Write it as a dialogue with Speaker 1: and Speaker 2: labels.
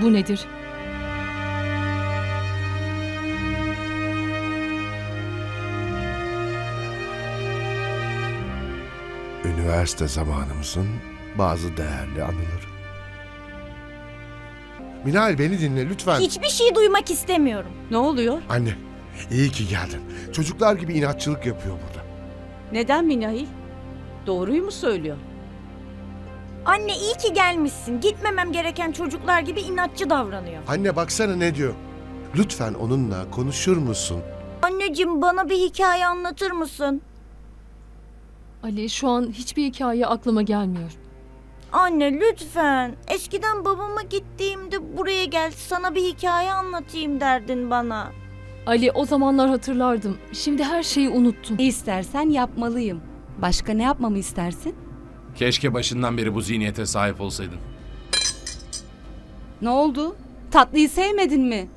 Speaker 1: Bu nedir?
Speaker 2: Üniversite zamanımızın bazı değerli anıları. Minal beni dinle lütfen.
Speaker 3: Hiçbir şey duymak istemiyorum.
Speaker 4: Ne oluyor?
Speaker 2: Anne, iyi ki geldin. Çocuklar gibi inatçılık yapıyor burada.
Speaker 4: Neden Minahil? Doğruyu mu söylüyor?
Speaker 3: Anne iyi ki gelmişsin. Gitmemem gereken çocuklar gibi inatçı davranıyor.
Speaker 2: Anne baksana ne diyor. Lütfen onunla konuşur musun?
Speaker 3: Anneciğim bana bir hikaye anlatır mısın?
Speaker 1: Ali, şu an hiçbir hikaye aklıma gelmiyor.
Speaker 3: Anne lütfen. Eskiden babama gittiğimde buraya gel sana bir hikaye anlatayım derdin bana.
Speaker 1: Ali, o zamanlar hatırlardım. Şimdi her şeyi unuttum.
Speaker 5: Ne istersen yapmalıyım. Başka ne yapmamı istersin?
Speaker 6: Keşke başından beri bu zihniyete sahip olsaydın.
Speaker 5: Ne oldu? Tatlıyı sevmedin mi?